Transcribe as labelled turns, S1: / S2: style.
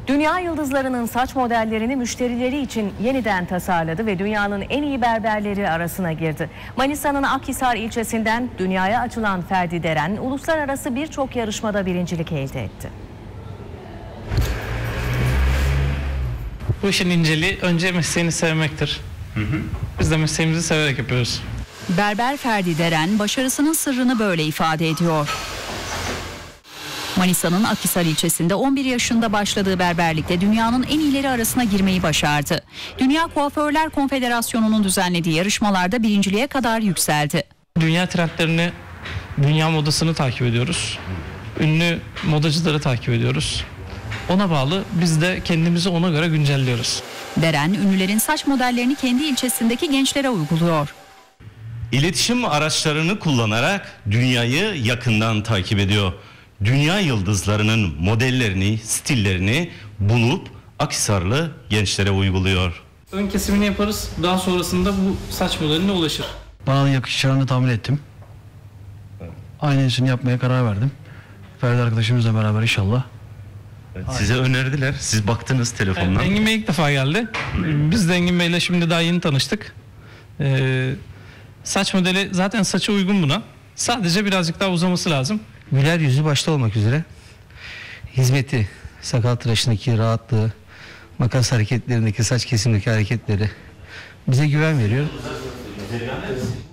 S1: Dünya yıldızlarının saç modellerini müşterileri için yeniden tasarladı ve dünyanın en iyi berberleri arasına girdi. Manisa'nın Akhisar ilçesinden dünyaya açılan Ferdi Deren, uluslararası birçok yarışmada birincilik elde etti.
S2: Bu işin inceliği önce mesleğini sevmektir. Biz de mesleğimizi severek yapıyoruz.
S3: Berber Ferdi Deren başarısının sırrını böyle ifade ediyor. Manisa'nın Akhisar ilçesinde 11 yaşında başladığı berberlikte dünyanın en iyileri arasına girmeyi başardı. Dünya Kuaförler Konfederasyonu'nun düzenlediği yarışmalarda birinciliğe kadar yükseldi.
S2: Dünya trendlerini, dünya modasını takip ediyoruz. Ünlü modacıları takip ediyoruz. Ona bağlı biz de kendimizi ona göre güncelliyoruz.
S3: Deren, ünlülerin saç modellerini kendi ilçesindeki gençlere uyguluyor.
S4: İletişim araçlarını kullanarak dünyayı yakından takip ediyor. Dünya yıldızlarının modellerini, stillerini bulup Akhisarlı gençlere uyguluyor.
S2: Ön kesimini yaparız. Daha sonrasında bu saç modeline ulaşır.
S5: Bana yakışacağını tahmin ettim. Aynısını yapmaya karar verdim. Ferdi arkadaşımızla beraber inşallah.
S4: Size önerdiler. Siz baktınız telefondan.
S2: Engin Bey ilk defa geldi. Biz de Engin Bey'le şimdi daha yeni tanıştık. Saç modeli zaten saça uygun buna. Sadece birazcık daha uzaması lazım.
S6: Güler yüzü başta olmak üzere hizmeti, sakal tıraşındaki rahatlığı, makas hareketlerindeki, saç kesimindeki hareketleri bize güven veriyor.